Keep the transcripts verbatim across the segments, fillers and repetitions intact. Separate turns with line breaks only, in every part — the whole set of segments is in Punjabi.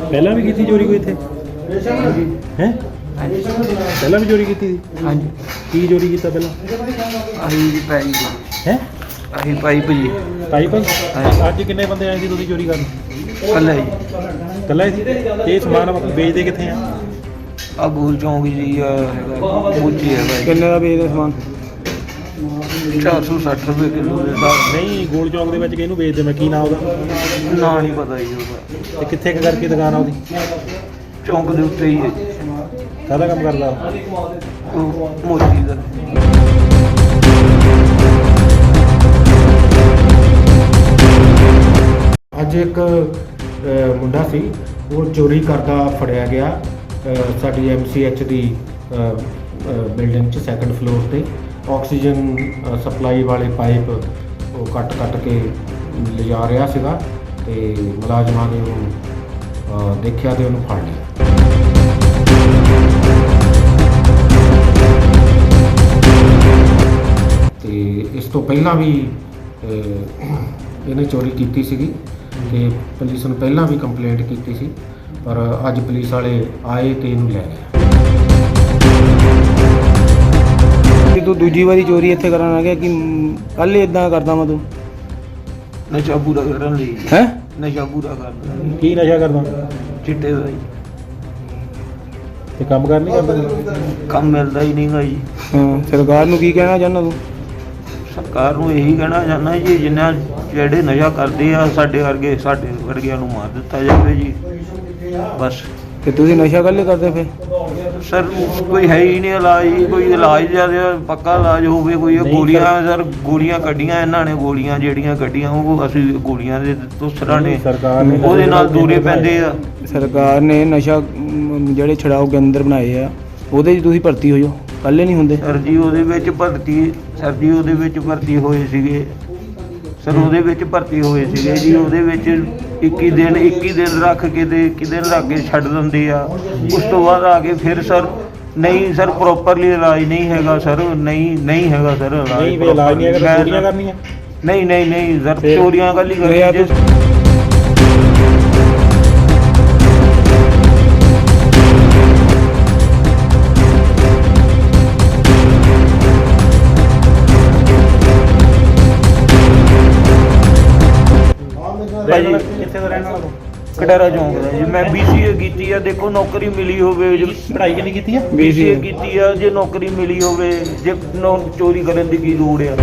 ਪਹਿਲਾਂ ਵੀ ਕੀਤੀ ਚੋਰੀ ਕੋਈ ਇੱਥੇ ਹੈ? ਪਹਿਲਾਂ ਵੀ ਚੋਰੀ ਕੀਤੀ ਸੀ?
ਹਾਂਜੀ
ਕੀ ਚੋਰੀ ਕੀਤਾ ਪਹਿਲਾਂ?
ਆਹੀ ਜੀ ਪਾਈਪ
ਹੈ
ਆਹੀ ਪਾਈਪ ਜੀ
ਪਾਈਪ?
ਹਾਂਜੀ।
ਅੱਜ ਕਿੰਨੇ ਬੰਦੇ ਆਏ ਸੀ ਤੁਸੀਂ ਚੋਰੀ ਕਰਨ?
ਕੱਲਾ ਜੀ
ਇਕੱਲਾ ਹੀ ਸੀ? ਤੇ ਇਹ ਸਮਾਨ ਵੇਚਦੇ ਕਿੱਥੇ ਆ?
ਆ ਗੋਲ ਚੌਂਕ ਜੀ ਆ ਹੈਗਾ ਮੋਚੀ ਹੈਗਾ
ਕਿੰਨੇ ਦਾ ਵੇਚਦੇ ਸਮਾਨ?
ਚਾਰ ਸੌ ਸੱਠ ਰੁਪਏ ਕਿਲੋ ਦੇ ਹਿਸਾਬ
ਨਹੀਂ, ਗੋਲ ਚੌਂਕ ਦੇ ਵਿੱਚ ਕਿਹਨੂੰ ਵੇਚਦੇ? ਮੈਂ ਕੀ ਨਾਮ ਉਹਦਾ?
ਨਾਲ। ਨਾ ਨਹੀਂ ਪਤਾ ਜੀ ਉਹਦਾ।
ਤੇ ਕਿੱਥੇ ਕੁ ਕਰਕੇ ਦੁਕਾਨ ਆ ਉਹਦੀ?
ਚੌਂਕ ਦੇ ਉੱਤੇ ਹੀ ਹੈ ਜੀ।
ਕਾਹਦਾ ਕੰਮ ਕਰਦਾ
ਉਹ ਮੋਚੀ ਦਾ।
ਅੱਜ ਇੱਕ ਅ, ਮੁੰਡਾ ਸੀ, ਉਹ ਚੋਰੀ ਕਰਦਾ ਫੜਿਆ ਗਿਆ ਅ, ਸਾਡੀ ਐਮ ਸੀ ਐਚ ਦੀ ਬਿਲਡਿੰਗ 'ਚ ਸੈਕੰਡ ਫਲੋਰ ਤੇ। ਆਕਸੀਜਨ ਅ, ਸਪਲਾਈ ਵਾਲੇ ਪਾਈਪ ਉਹ ਕੱਟ ਕੱਟ ਕੇ ਲਿਜਾ ਰਿਹਾ ਸੀਗਾ ਤੇ ਮੁਲਾਜ਼ਮਾਂ ਨੇ ਉਹਨੂੰ ਅ, ਦੇਖਿਆ ਤੇ ਉਹਨੂੰ ਫੜ ਲਿਆ। ਤੇ ਇਸ ਤੋਂ ਪਹਿਲਾਂ ਵੀ ਅ, ਇਹਨੇ ਚੋਰੀ ਕੀਤੀ ਸੀਗੀ ਤੇ ਪੁਲਿਸ ਨੂੰ ਪਹਿਲਾਂ ਵੀ ਕੰਪਲੇਂਟ ਕੀਤੀ ਸੀ, ਪਰ ਅੱਜ ਪੁਲਿਸ ਵਾਲੇ ਆਏ ਤੇ ਇਹਨੂੰ ਲੈ ਗਏ।
ਕਿ ਤੂੰ ਦੂਜੀ ਵਾਰੀ ਚੋਰੀ ਇੱਥੇ ਕਰਨ ਆ ਗਿਆ ਕਿ ਕੱਲ ਹੀ ਇਦਾਂ ਕਰਦਾ ਮੈਂ ਤੂੰ
ਨਸ਼ਾ ਪੂਰਾ ਕਰਨ ਲਈ।
ਹੈ?
ਨਸ਼ਾ ਪੂਰਾ ਕਰਦਾ
ਕੀ ਨਸ਼ਾ ਕਰਦਾ?
ਚਿੱਟੇ ਦਾ ਜੀ।
ਤੇ ਕੰਮ ਕਰ ਨਹੀਂ ਕਰਦਾ?
ਕੰਮ ਮਿਲਦਾ ਹੀ ਨਹੀਂਗਾ ਜੀ।
ਹਾਂ, ਸਰਕਾਰ ਨੂੰ ਕੀ ਕਹਿਣਾ ਚਾਹੁੰਦਾ ਤੂੰ?
ਸਰਕਾਰ ਨੂੰ ਇਹੀ ਕਹਿਣਾ ਚਾਹੁੰਦਾ ਜੀ, ਜਿੰਨਾ ਜਿਹੜੇ ਨਸ਼ਾ ਕਰਦੇ ਆ ਸਾਡੇ ਵਰਗੇ ਸਾਡੇ ਵਰਗਿਆਂ ਨੂੰ ਮਾਰ ਦਿੱਤਾ ਜਾਵੇ ਜੀ ਬਸ।
ਤੇ ਤੁਸੀਂ ਨਸ਼ਾ ਕੱਲੇ ਕਰਦੇ ਫਿਰ?
ਸਰ ਕੋਈ ਹੈ ਹੀ ਨਹੀਂ ਇਲਾਜ ਜੀ, ਕੋਈ ਇਲਾਜ ਜਿਆਦਾ ਪੱਕਾ ਇਲਾਜ ਹੋਵੇ ਕੋਈ। ਇਹ
ਨਹੀਂ
ਗੋਲੀਆਂ
ਸਰ।
ਸਰ ਗੋਲੀਆਂ ਕੱਢੀਆਂ ਇਹਨਾਂ ਨੇ, ਗੋਲੀਆਂ ਜਿਹੜੀਆਂ ਕੱਢੀਆਂ ਉਹ ਅਸੀਂ ਗੋਲੀਆਂ ਦੇ ਦੁਸਰਾ ਨੇ
ਸਰਕਾਰ ਨੇ
ਉਹਦੇ ਨਾਲ ਦੂਰੇ ਪੈਂਦੇ ਆ।
ਸਰਕਾਰ ਨੇ ਨਸ਼ਾ ਮ, ਜਿਹੜੇ ਛਡਾਓ ਕੇਂਦਰ ਬਣਾਏ ਆ ਉਹਦੇ 'ਚ ਤੁਸੀਂ ਭਰਤੀ ਹੋ ਜਾਓ, ਕੱਲੇ ਨਹੀਂ ਹੁੰਦੇ।
ਸਰ ਜੀ ਉਹਦੇ ਵਿੱਚ ਭਰਤੀ ਸਰ ਜੀ ਉਹਦੇ ਵਿੱਚ ਭਰਤੀ ਹੋਏ ਸੀਗੇ ਸਰ ਉਹਦੇ ਵਿੱਚ ਭਰਤੀ ਹੋਏ ਸੀਗੇ ਜੀ। ਉਹਦੇ ਵਿੱਚ ਇੱਕੀ ਦਿਨ ਇੱਕੀ ਦਿਨ ਰੱਖ ਕੇ ਤੇ ਇੱਕੀ ਦਿਨ ਰੱਖ ਕੇ ਛੱਡ ਦਿੰਦੇ ਆ। ਉਸ ਤੋਂ ਬਾਅਦ ਆ ਕੇ ਫਿਰ ਸਰ ਨਹੀਂ ਸਰ ਪ੍ਰੋਪਰਲੀ ਇਲਾਜ ਨਹੀਂ ਹੈਗਾ ਸਰ। ਨਹੀਂ ਨਹੀਂ ਹੈਗਾ ਸਰ ਇਲਾਜ।
ਨਹੀਂ ਵੀ ਇਲਾਜ ਨਹੀਂ ਹੈਗਾ ਤਾਂ
ਮੈਂ-
ਚੋਰੀਆਂ ਕਰਨੀਆਂ?
ਨਹੀਂ ਨਹੀਂ ਨਹੀਂ ਸਰ
ਫਿਰ-
ਚੋਰੀਆਂ ਕੱਲੀ
ਫਿਰ ਯਾਰ
ਕਰਨੀ।
ਰਹਿਣ ਵਾਲਾ ਕਿੱਥੇ ਦਾ ਰਹਿਣ ਵਾਲਾ ਤੂੰ?
ਕਟਾਰਾ ਚੌਂਕ ਦਾ ਜੀ। ਮੈਂ ਬੀ ਸੀ ਏ ਕੀਤੀ ਆ। ਦੇਖੋ ਨੌਕਰੀ ਮਿਲੀ ਹੋਵੇ ਜੀ।
ਪੜ੍ਹਾਈ ਕਿੰਨੀ ਕੀਤੀ ਆ?
ਬੀ ਸੀ ਏ ਕੀਤੀ ਆ। ਜੇ ਨੌਕਰੀ ਮਿਲੀ ਹੋਵੇ ਜੇ ਨੌ ਚੋਰੀ ਕਰਨ ਦੀ ਕੀ ਲੋੜ ਆ?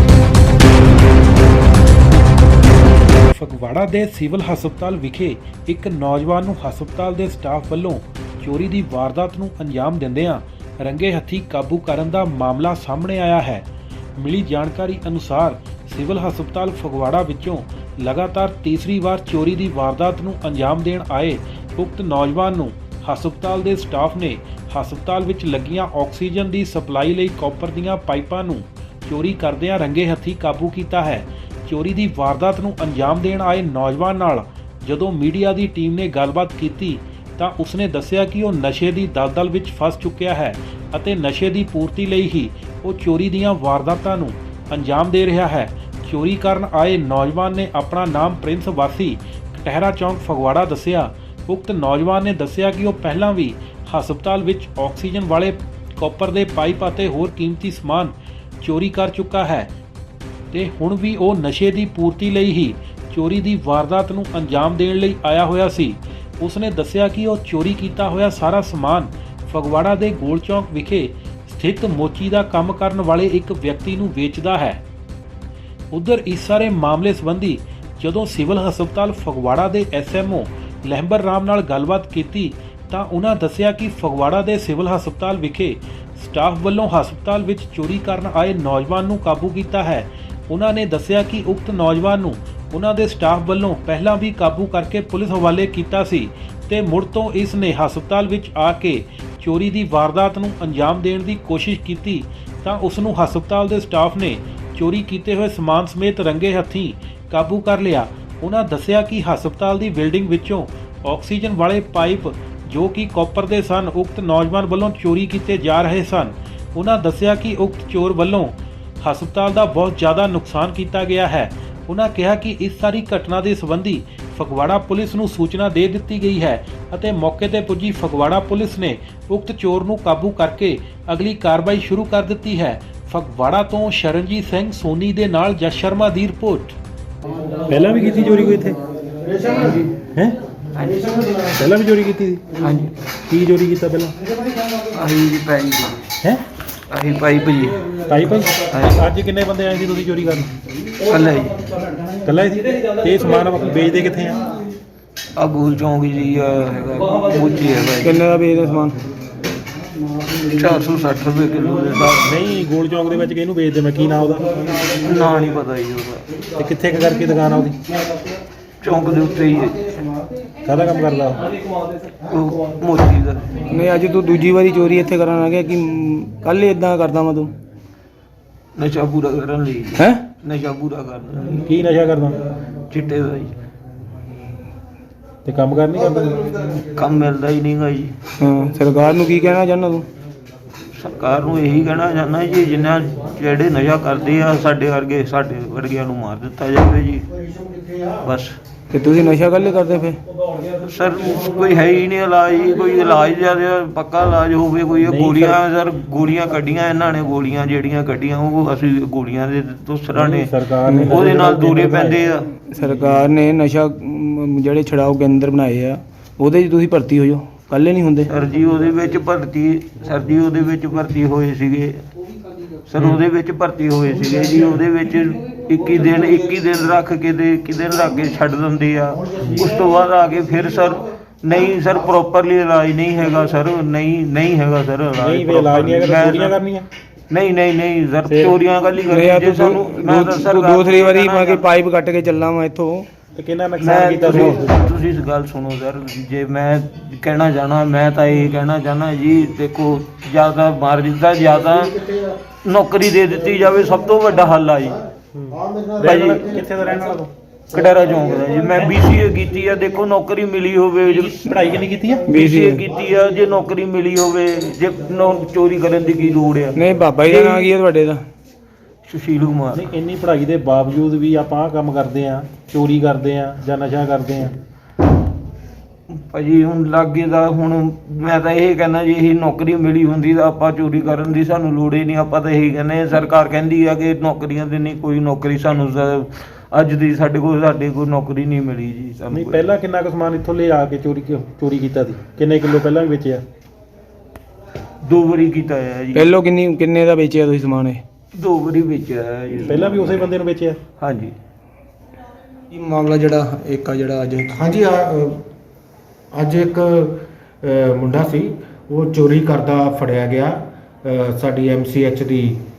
ਫਗਵਾੜਾ ਦੇ ਸਿਵਲ ਹਸਪਤਾਲ ਵਿਖੇ ਇੱਕ ਨੌਜਵਾਨ ਨੂੰ ਹਸਪਤਾਲ ਦੇ ਸਟਾਫ ਵੱਲੋਂ ਚੋਰੀ ਦੀ ਵਾਰਦਾਤ ਨੂੰ ਅੰਜਾਮ ਦਿੰਦਿਆਂ ਰੰਗੇ ਹੱਥੀਂ ਕਾਬੂ ਕਰਨ ਦਾ ਮਾਮਲਾ ਸਾਹਮਣੇ ਆਇਆ ਹੈ। ਮਿਲੀ ਜਾਣਕਾਰੀ ਅਨੁਸਾਰ ਸਿਵਲ ਹਸਪਤਾਲ ਫਗਵਾੜਾ ਵਿੱਚੋਂ ਲਗਾਤਾਰ ਤੀਸਰੀ ਵਾਰ ਚੋਰੀ ਦੀ ਵਾਰਦਾਤ ਨੂੰ ਅੰਜਾਮ ਦੇਣ ਆਏ ਉਕਤ ਨੌਜਵਾਨ ਨੂੰ ਹਸਪਤਾਲ ਦੇ ਸਟਾਫ ਨੇ ਹਸਪਤਾਲ ਵਿੱਚ ਲੱਗੀਆਂ ਆਕਸੀਜਨ ਦੀ ਸਪਲਾਈ ਲਈ ਕਾਪਰ ਦੀਆਂ ਪਾਈਪਾਂ ਨੂੰ ਚੋਰੀ ਕਰਦਿਆਂ ਰੰਗੇ ਹੱਥੀਂ ਕਾਬੂ ਕੀਤਾ ਹੈ। ਚੋਰੀ ਦੀ ਵਾਰਦਾਤ ਨੂੰ ਅੰਜਾਮ ਦੇਣ ਆਏ ਨੌਜਵਾਨ ਨਾਲ ਜਦੋਂ ਮੀਡੀਆ ਦੀ ਟੀਮ ਨੇ ਗੱਲਬਾਤ ਕੀਤੀ ਤਾਂ ਉਸਨੇ ਦੱਸਿਆ ਕਿ ਉਹ ਨਸ਼ੇ ਦੀ ਦਲਦਲ ਵਿੱਚ ਫਸ ਚੁੱਕਿਆ ਹੈ ਅਤੇ ਨਸ਼ੇ ਦੀ ਪੂਰਤੀ ਲਈ ਹੀ ਉਹ ਚੋਰੀ ਦੀਆਂ ਵਾਰਦਾਤਾਂ ਨੂੰ ਅੰਜਾਮ ਦੇ ਰਿਹਾ ਹੈ। ਚੋਰੀ ਕਰਨ ਆਏ ਨੌਜਵਾਨ ਨੇ ਆਪਣਾ ਨਾਮ ਪ੍ਰਿੰਸ ਵਾਸੀ ਕਟਹਿਰਾ ਚੌਂਕ ਫਗਵਾੜਾ ਦੱਸਿਆ। ਉਕਤ ਨੌਜਵਾਨ ਨੇ ਦੱਸਿਆ ਕਿ ਉਹ ਪਹਿਲਾਂ ਵੀ ਹਸਪਤਾਲ ਵਿੱਚ ਆਕਸੀਜਨ ਵਾਲੇ ਕਾਪਰ ਦੇ ਪਾਈਪ ਅਤੇ ਹੋਰ ਕੀਮਤੀ ਸਮਾਨ ਚੋਰੀ ਕਰ ਚੁੱਕਾ ਹੈ ਤੇ ਹੁਣ ਵੀ ਉਹ ਨਸ਼ੇ ਦੀ ਪੂਰਤੀ ਲਈ ਹੀ ਚੋਰੀ ਦੀ ਵਾਰਦਾਤ ਨੂੰ ਅੰਜਾਮ ਦੇਣ ਲਈ ਆਇਆ ਹੋਇਆ ਸੀ। ਉਸਨੇ ਦੱਸਿਆ ਕਿ ਉਹ ਚੋਰੀ ਕੀਤਾ ਹੋਇਆ ਸਾਰਾ ਸਮਾਨ ਫਗਵਾੜਾ ਦੇ ਗੋਲ ਚੌਂਕ ਵਿਖੇ ਸਥਿਤ ਮੋਚੀ ਦਾ ਕੰਮ ਕਰਨ ਵਾਲੇ ਇੱਕ ਵਿਅਕਤੀ ਨੂੰ ਵੇਚਦਾ ਹੈ। ਉਧਰ ਇਸ ਸਾਰੇ ਮਾਮਲੇ ਸੰਬੰਧੀ ਜਦੋਂ ਸਿਵਲ ਹਸਪਤਾਲ ਫਗਵਾੜਾ ਦੇ S M O Lehmber Ram ਨਾਲ ਗੱਲਬਾਤ ਕੀਤੀ ਤਾਂ ਉਹਨਾਂ ਦੱਸਿਆ ਕਿ ਫਗਵਾੜਾ ਦੇ ਸਿਵਲ ਹਸਪਤਾਲ ਵਿਖੇ ਸਟਾਫ ਵੱਲੋਂ ਹਸਪਤਾਲ ਵਿੱਚ ਚੋਰੀ ਕਰਨ ਆਏ ਨੌਜਵਾਨ ਨੂੰ ਕਾਬੂ ਕੀਤਾ ਹੈ। ਉਹਨਾਂ ਨੇ ਦੱਸਿਆ ਕਿ ਉਕਤ ਨੌਜਵਾਨ ਨੂੰ ਉਹਨਾਂ ਦੇ ਸਟਾਫ ਵੱਲੋਂ ਪਹਿਲਾਂ ਵੀ ਕਾਬੂ ਕਰਕੇ ਪੁਲਿਸ ਹਵਾਲੇ ਕੀਤਾ ਸੀ ਤੇ ਮੁੜ ਤੋਂ ਇਸ ਨੇ ਹਸਪਤਾਲ ਵਿੱਚ ਆ ਕੇ ਚੋਰੀ ਦੀ ਵਾਰਦਾਤ ਨੂੰ ਅੰਜਾਮ ਦੇਣ ਦੀ ਕੋਸ਼ਿਸ਼ ਕੀਤੀ ਤਾਂ ਉਸ ਨੂੰ ਹਸਪਤਾਲ ਦੇ ਸਟਾਫ ਨੇ ਚੋਰੀ ਕੀਤੇ ਹੋਏ ਸਮਾਨ ਸਮੇਤ ਰੰਗੇ ਹੱਥੀਂ ਕਾਬੂ ਕਰ ਲਿਆ। ਉਹਨਾਂ ਦੱਸਿਆ ਕਿ ਹਸਪਤਾਲ ਦੀ ਬਿਲਡਿੰਗ ਵਿੱਚੋਂ ਆਕਸੀਜਨ ਵਾਲੇ ਪਾਈਪ ਜੋ ਕਿ ਕਾਪਰ ਦੇ ਸਨ ਉਕਤ ਨੌਜਵਾਨ ਵੱਲੋਂ ਚੋਰੀ ਕੀਤੇ ਜਾ ਰਹੇ ਸਨ। ਉਹਨਾਂ ਦੱਸਿਆ ਕਿ ਉਕਤ ਚੋਰ ਵੱਲੋਂ ਹਸਪਤਾਲ ਦਾ ਬਹੁਤ ਜ਼ਿਆਦਾ ਨੁਕਸਾਨ ਕੀਤਾ ਗਿਆ ਹੈ। ਉਹਨਾਂ ਕਿਹਾ ਕਿ ਇਸ ਸਾਰੀ ਘਟਨਾ ਦੇ ਸੰਬੰਧੀ ਫਗਵਾੜਾ ਪੁਲਿਸ ਨੂੰ ਸੂਚਨਾ ਦੇ ਦਿੱਤੀ ਗਈ ਹੈ ਅਤੇ ਮੌਕੇ ਤੇ ਪੁੱਜੀ ਫਗਵਾੜਾ ਪੁਲਿਸ ਨੇ ਉਕਤ ਚੋਰ ਨੂੰ ਕਾਬੂ ਕਰਕੇ ਅਗਲੀ ਕਾਰਵਾਈ ਸ਼ੁਰੂ ਕਰ ਦਿੱਤੀ ਹੈ। ਫਗਵਾੜਾ ਤੋਂ ਸ਼ਰਨਜੀਤ ਸਿੰਘ ਸੋਨੀ ਦੇ ਨਾਲ ਜਸ ਸ਼ਰਮਾ ਦੀ ਰਿਪੋਰਟ।
ਪਹਿਲਾਂ ਵੀ ਕੀਤੀ ਚੋਰੀ ਕੋਈ ਇੱਥੇ ਹੈ? ਪਹਿਲਾਂ ਵੀ ਚੋਰੀ ਕੀਤੀ ਸੀ?
ਹਾਂਜੀ
ਕੀ ਚੋਰੀ ਕੀਤਾ ਪਹਿਲਾਂ?
ਆਹੀ ਜੀ ਪਾਈ
ਹੈ
ਆਹੀ ਪਾਈਪ ਜੀ
ਤਾਈ ਭਾਈ
ਹਾਂਜੀ।
ਅੱਜ ਕਿੰਨੇ ਬੰਦੇ ਆਏ ਸੀ ਤੁਸੀਂ ਚੋਰੀ ਕਰਨ?
ਕੱਲਾ ਜੀ
ਇਕੱਲਾ ਹੀ ਸੀ? ਤੇ ਇਹ ਸਮਾਨ ਆਪਾਂ ਵੇਚਦੇ ਕਿੱਥੇ ਆ?
ਆ ਗੋਲ ਚੌਂਕ ਜੀ ਆ ਹੈਗਾ ਮੋਚੀ ਹੈ ਭਾਈ
ਕਿੰਨੇ ਦਾ ਵੇਚਦੇ ਸਮਾਨ?
ਚਾਰ ਸੌ ਸੱਠ ਰੁਪਏ ਕਿਲੋ ਦੇ ਹਿਸਾਬ
ਨਹੀਂ, ਗੋਲ ਚੌਂਕ ਦੇ ਵਿੱਚ ਕਿਹਨੂੰ ਵੇਚਦੇ? ਮੈਂ ਕੀ ਨਾਂ ਉਹਦਾ?
ਨਾਲ। ਨਾਂ ਨਹੀਂ ਪਤਾ ਜੀ ਉਹਦਾ।
ਤੇ ਕਿੱਥੇ ਕੁ ਕਰਕੇ ਦੁਕਾਨ ਆ ਉਹਦੀ?
ਚੌਂਕ ਦੇ ਉੱਤੇ ਹੀ ਹੈ।
ਕਾਹਦਾ ਕੰਮ ਕਰਦਾ ਉਹ?
ਉਹ ਮੋਚੀ ਦਾ।
ਨਹੀਂ, ਅੱਜ ਤੂੰ ਦੂਜੀ ਵਾਰੀ ਚੋਰੀ ਇੱਥੇ ਕਰਨ ਆ ਗਿਆ ਕਿ ਕੱਲ ਹੀ ਇਦਾਂ ਕਰਦਾ ਮੈਂ ਤੂੰ?
ਨਸ਼ਾ ਪੂਰਾ ਕਰਨ ਲਈ।
ਹੈ
ਨਸ਼ਾ ਪੂਰਾ ਕਰਨ ਲਈ।
ਕੀ ਨਸ਼ਾ ਕਰਦਾ?
ਚਿੱਟੇ ਦਾ ਜੀ।
ਤੇ ਕੰਮ ਕਰ ਨਹੀਂ ਕਰਦਾ?
ਕੰਮ ਮਿਲਦਾ ਹੀ ਨਹੀਂਗਾ ਜੀ।
ਹਾਂ, ਸਰਕਾਰ ਨੂੰ ਕੀ ਕਹਿਣਾ ਚਾਹੁੰਦਾ ਤੂੰ?
ਸਰਕਾਰ ਨੂੰ ਇਹੀ ਕਹਿਣਾ ਚਾਹੁੰਦਾ ਜੀ, ਜਿੰਨਾ ਜਿਹੜੇ ਨਸ਼ਾ ਕਰਦੇ ਆ ਸਾਡੇ ਵਰਗੇ ਸਾਡੇ ਵਰਗਿਆਂ ਨੂੰ ਮਾਰ ਦਿੱਤਾ ਜਾਵੇ ਜੀ ਬਸ।
ਤੇ ਤੁਸੀਂ ਨਸ਼ਾ ਕੱਲੇ ਕਰਦੇ ਫਿਰ?
ਸਰ ਕੋਈ ਹੈ ਹੀ ਨਹੀਂ ਇਲਾਜ ਜੀ, ਕੋਈ ਇਲਾਜ ਜਿਆਦਾ ਪੱਕਾ ਇਲਾਜ ਹੋਵੇ ਕੋਈ। ਇਹ
ਨਹੀਂ
ਗੋਲੀਆਂ
ਸਰ-
ਸਰ ਗੋਲੀਆਂ ਕੱਢੀਆਂ ਇਹਨਾਂ ਨੇ, ਗੋਲੀਆਂ ਜਿਹੜੀਆਂ ਕੱਢੀਆਂ ਉਹ ਅਸੀਂ ਗੋਲੀਆਂ ਦੇ ਦੂਸਰਾ ਨੇ
ਸਰਕਾਰ ਨੇ
ਉਹਦੇ ਨਾਲ ਦੂਰੇ ਪੈਂਦੇ ਆ।
ਸਰਕਾਰ ਨੇ ਨਸ਼ਾ ਮ, ਜਿਹੜੇ ਛਡਾਓ ਕੇਂਦਰ ਬਣਾਏ ਆ ਉਹਦੇ 'ਚ ਤੁਸੀਂ ਭਰਤੀ ਹੋ ਜਾਓ, ਕੱਲੇ ਨਹੀਂ ਹੁੰਦੇ।
ਸਰ ਜੀ ਉਹਦੇ ਵਿੱਚ ਭਰਤੀ ਸਰ ਜੀ ਉਹਦੇ ਵਿੱਚ ਭਰਤੀ ਹੋਏ ਸੀਗੇ ਸਰ ਉਹਦੇ ਵਿੱਚ ਭਰਤੀ ਹੋਏ ਸੀਗੇ ਜੀ। ਉਹਦੇ ਵਿੱਚ ਇੱਕੀ ਦਿਨ ਇੱਕੀ ਦਿਨ ਰੱਖ ਕੇ ਤੇ ਇੱਕੀ ਦਿਨ ਰੱਖ ਕੇ ਛੱਡ ਦਿੰਦੇ ਆ। ਉਸ ਤੋਂ ਬਾਅਦ ਆ ਕੇ ਫਿਰ ਸਰ ਨਹੀਂ ਸਰ ਪ੍ਰੋਪਰਲੀ ਇਲਾਜ ਨਹੀਂ ਹੈਗਾ ਸਰ, ਨਹੀਂ ਨਹੀਂ ਹੈਗਾ ਸਰ
ਨਹੀਂ ਵੇ ਇਲਾਜ ਨਹੀਂ ਹੈਗਾ ਤਾਂ ਚੋਰੀਆਂ ਕਰਨੀਆਂ?
ਨਹੀਂ ਨਹੀਂ ਨਹੀਂ ਸਰ
ਫਿਰ-
ਚੋਰੀਆਂ ਗੱਲ ਹੀ
ਨਹੀਂ ਯਾਰ
ਕਰਨੀ ਜੇ
ਤੂੰ
ਸਾਨੂੰ ਮੈਂ ਤਾਂ ਸਰ
ਦੋ ਥਰੀ ਵਾਰੀ ਮੈਂ ਕਿ ਪਾਈਪ ਕੱਟ ਕੇ ਚੱਲਾਂ ਮੈਂ ਇੱਥੋਂ।
ਤੇ ਕਿੰਨਾ
ਮੈਂ
ਨੁਕਸਾਨ ਕੀਤਾ ਸੀ?
ਤੁਸੀਂ ਤੁਸੀਂ ਇਸ ਗੱਲ ਸੁਣੋ ਸਰ, ਜੇ ਮੈਂ ਕਹਿਣਾ ਚਾਹਣਾ ਮੈਂ ਤਾਂ ਇਹ ਕਹਿਣਾ ਚਾਹਣਾ ਜੀ, ਦੇਖੋ ਜ਼ਿਆਦਾ ਮਾਰ ਦਿੱਤਾ ਜ਼ਿਆਦਾ ਨੌਕਰੀ ਦੇ ਦਿੱਤੀ ਜਾਵੇ, ਸਭ ਤੋਂ ਵੱਡਾ ਹੱਲ ਆ ਜੀ।
ਰਹਿਣ ਵਾਲਾ ਕਿੱਥੇ ਦਾ ਰਹਿਣ ਵਾਲਾ ਤੂੰ?
ਕਟਾਰਾ ਚੌਂਕ ਦਾ ਜੀ। ਮੈਂ ਬੀਸੀਏ ਕੀਤੀ ਆ, ਦੇਖੋ ਨੌਕਰੀ ਮਿਲੀ ਹੋਵੇ।
ਪੜ੍ਹਾਈ ਕਿੰਨੀ ਕੀਤੀ ਆ?
ਬੀਸੀਏ ਕੀਤੀ ਆ, ਜੇ ਨੌਕਰੀ ਮਿਲੀ ਹੋਵੇ, ਜੇ ਨੌ- ਚੋਰੀ ਕਰਨ ਦੀ ਕੀ ਲੋੜ ਆ?
ਨਹੀਂ, ਬਾਬਾ ਜੀ ਦਾ ਨਾਂ ਕੀ ਹੈ ਤੁਹਾਡੇ ਦਾ?
ਸੁਸ਼ੀਲ ਕੁਮਾਰ।
ਨਹੀਂ, ਇੰਨੀ ਪੜ੍ਹਾਈ ਦੇ ਬਾਵਜੂਦ ਵੀ ਆਪਾਂ ਆਹ ਕੰਮ ਕਰਦੇ ਆ, ਚੋਰੀ ਕਰਦੇ ਆ ਜਾਂ ਨਸ਼ਾ ਕਰਦੇ ਆ।
ਭਾਜੀ ਹੁਣ ਲਾਗੇ ਦਾ ਹੁਣ ਮੈਂ ਤਾਂ ਇਹ ਕਹਿੰਦਾ ਜੀ, ਇਹ ਨੌਕਰੀ ਮਿਲੀ ਹੁੰਦੀ ਤਾਂ ਆਪਾਂ ਚੋਰੀ ਕਰਨ ਦੀ ਸਾਨੂੰ ਲੋੜ ਹੀ ਨਹੀਂ। ਆਪਾਂ ਤਾਂ ਇਹੀ ਕਹਿੰਦੇ, ਸਰਕਾਰ ਕਹਿੰਦੀ ਆ ਕਿ ਨੌਕਰੀਆਂ ਦੀ ਨਹੀਂ ਕੋਈ ਨੌਕਰੀ ਸਾਨੂੰ ਸ- ਅੱਜ ਦੀ ਸਾਡੇ ਕੋਲ ਸਾਡੇ ਕੋਲ ਨੌਕਰੀ ਨਹੀਂ ਮਿਲੀ ਜੀ ਸਾਨੂੰ
ਨਹੀਂ,
ਕੋਈ।
ਪਹਿਲਾਂ ਕਿੰਨਾ ਕੁ ਸਮਾਨ ਇੱਥੋਂ ਲੈ ਆ ਕੇ ਚੋਰੀ ਚੋਰੀ ਕੀਤਾ ਸੀ? ਕਿੰਨੇ ਕਿਲੋ ਪਹਿਲਾਂ ਵੀ ਵੇਚਿਆ?
ਦੋ ਵਾਰੀ ਕੀਤਾ ਹੈ ਜੀ।
ਪਹਿਲੋਂ ਕਿੰਨੀ ਕਿੰਨੇ ਦਾ ਵੇਚਿਆ ਤੁਸੀਂ ਸਮਾਨ ਇਹ?
ਦੋ ਵਾਰੀ ਵੇਚਿਆ ਹੈ ਜੀ।
ਪਹਿਲਾਂ ਵੀ ਉਸੇ ਬੰਦੇ ਨੂੰ ਵੇਚਿਆ?
ਹਾਂਜੀ।
ਕੀ ਮਾਮਲਾ ਜਿਹੜਾ ਇੱਕ ਆ ਜਿਹੜਾ ਅੱਜ
ਹਾਂਜੀ ਆ, ਅ, ਅੱਜ ਇੱਕ ਅ, ਮੁੰਡਾ ਸੀ, ਉਹ ਚੋਰੀ ਕਰਦਾ ਫੜਿਆ ਗਿਆ ਅ, ਸਾਡੀ ਐਮਸੀਐਚ ਦੀ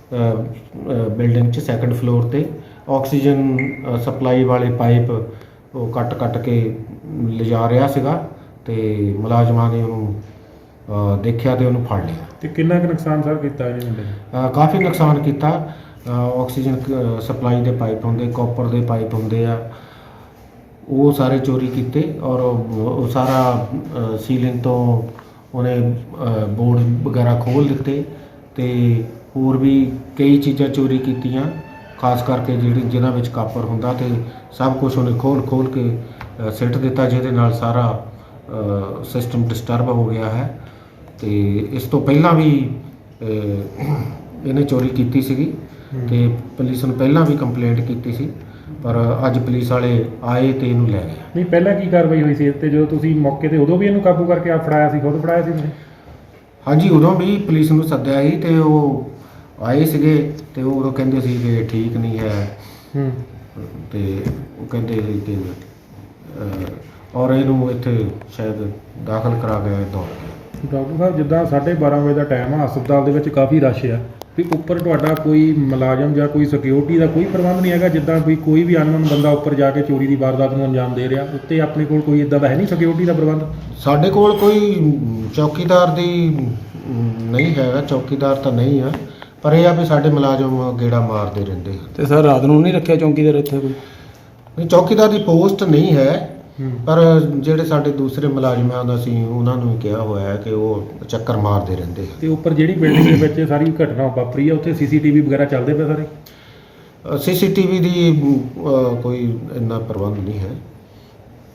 ਬਿਲਡਿੰਗ 'ਚ ਸੈਕੰਡ ਫਲੋਰ ਤੇ। ਆਕਸੀਜਨ ਅ, ਸਪਲਾਈ ਵਾਲੇ ਪਾਈਪ ਉਹ ਕੱਟ ਕੱਟ ਕੇ ਲਿਜਾ ਰਿਹਾ ਸੀਗਾ ਤੇ ਮੁਲਾਜ਼ਮਾਂ ਨੇ ਉਹਨੂੰ ਅ, ਦੇਖਿਆ ਤੇ ਉਹਨੂੰ ਫੜ ਲਿਆ।
ਤੇ ਕਿੰਨਾ ਕੁ ਨੁਕਸਾਨ ਸਰ ਕੀਤਾ ਇਹਨੇ ਮੁੰਡੇ ਨੇ?
ਅ, ਕਾਫੀ ਨੁਕਸਾਨ ਕੀਤਾ। ਅ, ਆਕਸੀਜਨ ਕ- ਸਪਲਾਈ ਦੇ ਪਾਈਪ ਹੁੰਦੇ, ਕਾਪਰ ਦੇ ਪਾਈਪ ਹੁੰਦੇ ਆ, ਉਹ ਸਾਰੇ ਚੋਰੀ ਕੀਤੇ। ਔਰ ਉਹ ਉਹ ਸਾਰਾ ਅ, ਸੀਲਿੰਗ ਤੋਂ ਉਹਨੇ ਅ, ਬੋਰਡ ਵਗੈਰਾ ਖੋਲ੍ਹ ਦਿੱਤੇ ਤੇ ਹੋਰ ਵੀ ਕਈ ਚੀਜ਼ਾਂ ਚੋਰੀ ਕੀਤੀਆਂ, ਖਾਸ ਕਰਕੇ ਜਿਹੜੀ ਜਿਨ੍ਹਾਂ ਵਿੱਚ ਕਾਪਰ ਹੁੰਦਾ ਤੇ ਸਭ ਕੁਝ ਉਹਨੇ ਖੋਲ ਖੋਲ ਕੇ ਅ, ਸਿੱਟ ਦਿੱਤਾ, ਜਿਹਦੇ ਨਾਲ ਸਾਰਾ ਸਿਸਟਮ ਡਿਸਟਰਬ ਹੋ ਗਿਆ ਹੈ। ਤੇ ਇਸ ਤੋਂ ਪਹਿਲਾਂ ਵੀ ਅ, ਇਹਨੇ ਚੋਰੀ ਕੀਤੀ ਸੀਗੀ ਤੇ ਪੁਲਿਸ ਨੂੰ ਪਹਿਲਾਂ ਵੀ ਕੰਪਲੇਂਟ ਕੀਤੀ ਸੀ, ਪਰ ਅੱਜ ਪੁਲਿਸ ਵਾਲੇ ਆਏ ਤੇ ਇਹਨੂੰ ਲੈ ਗਏ।
ਨਹੀਂ, ਪਹਿਲਾਂ ਕੀ ਕਾਰਵਾਈ ਹੋਈ ਸੀ ਤੇ ਜਦੋਂ ਤੁਸੀਂ ਮੌਕੇ ਤੇ ਉਦੋਂ ਵੀ ਇਹਨੂੰ ਕਾਬੂ ਕਰਕੇ ਆ ਫੜਾਇਆ ਸੀ? ਖੁਦ ਫੜਾਇਆ ਸੀ ਤੁਸੀਂ?
ਹਾਂਜੀ, ਉਦੋਂ ਵੀ ਪੁਲਿਸ ਨੂੰ ਸੱਦਿਆ ਸੀ ਤੇ ਉਹ ਆਏ ਸੀਗੇ ਤੇ ਉਹ ਉਦੋਂ ਕਹਿੰਦੇ ਸੀ ਕਿ ਠੀਕ ਨਹੀਂ ਹੈ।
ਹੂੰ।
ਤੇ ਉਹ ਕਹਿੰਦੇ ਸੀ ਕਿ ਅ, ਔਰ ਇਹਨੂੰ ਇੱਥੇ ਸ਼ਾਇਦ ਦਾਖਲ ਕਰਾ ਕੇ ਦੌੜ ਗਏ।
ਡਾਕਟਰ ਸਾਹਿਬ, ਜਿੱਦਾਂ ਸਾਢੇ ਬਾਰਾਂ ਵਜੇ ਦਾ ਟਾਈਮ ਆ, ਹਸਪਤਾਲ ਦੇ ਵਿੱਚ ਕਾਫੀ ਰਸ਼ ਆ, ਵੀ ਉੱਪਰ ਤੁਹਾਡਾ ਕੋਈ ਮੁਲਾਜ਼ਮ ਜਾਂ ਕੋਈ ਸਿਕਿਉਰਿਟੀ ਦਾ ਕੋਈ ਪ੍ਰਬੰਧ ਨਹੀਂ ਹੈਗਾ? ਜਿੱਦਾਂ ਵੀ ਕੋਈ ਵੀ ਅਨਨੋਨ ਬੰਦਾ ਉੱਪਰ ਜਾ ਕੇ ਚੋਰੀ ਦੀ ਵਾਰਦਾਤ ਨੂੰ ਅੰਜਾਮ ਦੇ ਰਿਹਾ, ਉੱਤੇ ਆਪਣੇ ਕੋਲ ਕੋਈ ਇਦਾਂ ਦਾ ਹੈ ਨਹੀਂ ਸਿਕਿਉਰਿਟੀ ਦਾ ਪ੍ਰਬੰਧ?
ਸਾਡੇ ਕੋਲ ਕੋਈ ਚੌਕੀਦਾਰ ਦੀ ਅਮ, ਨਹੀਂ ਹੈਗਾ, ਚੌਕੀਦਾਰ ਤਾਂ ਨਹੀਂ ਆ, ਪਰ ਇਹ ਆ ਵੀ ਸਾਡੇ ਮੁਲਾਜ਼ਮ ਗੇੜਾ ਮਾਰਦੇ ਰਹਿੰਦੇ ਆ।
ਤੇ ਸਰ ਰਾਤ ਨੂੰ ਨਹੀਂ ਰੱਖਿਆ ਚੌਂਕੀਦਾਰ ਇੱਥੇ ਕੋਈ?
ਨਹੀਂ, ਚੌਕੀਦਾਰ ਦੀ ਪੋਸਟ ਨਹੀਂ ਹੈ,
ਹੂੰ।
ਪਰ ਜਿਹੜੇ ਸਾਡੇ ਦੂਸਰੇ ਮੁਲਾਜ਼ਮ ਆ ਉਹਨਾਂ ਅਸੀਂ ਉਹਨਾਂ ਨੂੰ ਕਿਹਾ ਹੋਇਆ ਹੈ ਕਿ ਉਹ ਚੱਕਰ ਮਾਰਦੇ ਰਹਿੰਦੇ ਆ।
ਤੇ ਉੱਪਰ ਜਿਹੜੀ ਬਿਲਡਿੰਗ ਦੇ ਵਿੱਚ ਸਾਰੀ ਘਟਨਾ ਵਾਪਰੀ ਆ, ਉੱਥੇ ਸੀਸੀਟੀਵੀ ਵਗੈਰਾ ਚੱਲਦੇ ਪਏ ਸਾਰੇ?
ਸੀਸੀਟੀਵੀ ਦੀ ਅ, ਕੋਈ ਇੰਨਾ ਪ੍ਰਬੰਧ ਨਹੀਂ ਹੈ।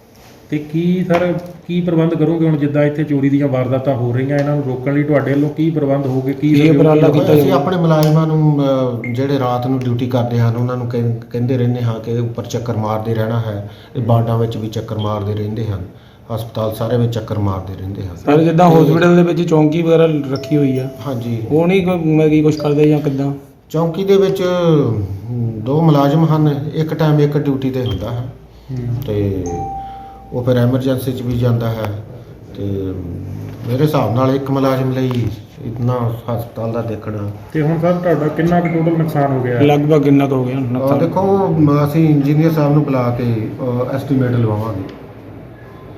ਤੇ ਕੀ ਸਰ ਕੀ ਪ੍ਰਬੰਧ ਕਰੋਗੇ ਹੁਣ ਜਿੱਦਾਂ ਇੱਥੇ ਚੋਰੀ ਦੀਆਂ ਵਾਰਦਾਤਾਂ ਹੋ ਰਹੀਆਂ ਇਹਨਾਂ ਨੂੰ ਰੋਕਣ ਲਈ ਤੁਹਾਡੇ ਵੱਲੋਂ ਕੀ ਪ੍ਰਬੰਧ ਹੋਗੇ ਕੀ
ਇਹ
ਸਹਿਯੋਗ
ਉਪਰਾਲਾ
ਹੋਊਗਾ?
ਕੀਤਾ
ਅਸੀਂ
ਜਾਊਗਾ।
ਆਪਣੇ ਮੁਲਾਜ਼ਮਾਂ ਨੂੰ ਅ, ਜਿਹੜੇ ਰਾਤ ਨੂੰ ਡਿਊਟੀ ਕਰਦੇ ਹਨ ਉਹਨਾਂ ਨੂੰ ਕਹਿੰ- ਕਹਿੰਦੇ ਰਹਿੰਦੇ ਹਾਂ ਕਿ ਉੱਪਰ ਚੱਕਰ ਮਾਰਦੇ ਰਹਿਣਾ ਹੈ। ਇਹ ਬਾਰਡਾਂ ਵਿੱਚ ਵੀ ਚੱਕਰ ਮਾਰਦੇ ਰਹਿੰਦੇ ਹਨ, ਹਸਪਤਾਲ ਸਾਰੇ ਵਿੱਚ ਚੱਕਰ ਮਾਰਦੇ ਰਹਿੰਦੇ ਹਨ।
ਸਰ ਜਿੱਦਾਂ ਹਸਪੀਟਲ ਦੇ ਵਿੱਚ ਚੌਂਕੀ ਵਗੈਰਾ ਰੱਖੀ ਹੋਈ ਆ,
ਹਾਂਜੀ,
ਉਹ ਨਹੀਂ ਕੋਈ ਮੈਂ ਕੀ ਕੁਝ ਕਰਦੇ ਜਾਂ ਕਿੱਦਾਂ?
ਚੌਂਕੀ ਦੇ ਵਿੱਚ ਅਮ, ਦੋ ਮੁਲਾਜ਼ਮ ਹਨ, ਇੱਕ ਟਾਈਮ ਇੱਕ ਡਿਊਟੀ ਤੇ ਹੁੰਦਾ ਹੈ
ਹੂੰ।
ਤੇ ਉਹ ਫਿਰ ਐਮਰਜੈਂਸੀ 'ਚ ਵੀ ਜਾਂਦਾ ਹੈ ਤੇ ਮੇਰੇ ਹਿਸਾਬ ਨਾਲ ਇੱਕ ਮੁਲਾਜ਼ਮ ਲਈ ਇਤਨਾ ਹਸਪਤਾਲ ਦਾ ਦੇਖਣਾ।
ਤੇ ਹੁਣ ਸਰ ਤੁਹਾਡਾ ਕਿੰਨਾ ਕੁ ਟੋਟਲ ਨੁਕਸਾਨ ਹੋ ਗਿਆ?
ਲਗਭਗ ਕਿੰਨਾ ਕੁ ਹੋ ਗਿਆ
ਅ,
ਨੁਕਸਾਨ?
ਦੇਖੋ ਮ- ਅਸੀਂ ਇੰਜੀਨੀਅਰ ਸਾਹਿਬ ਨੂੰ ਬੁਲਾ ਕੇ ਐਸਟੀਮੇਟ ਲਵਾਵਾਂਗੇ।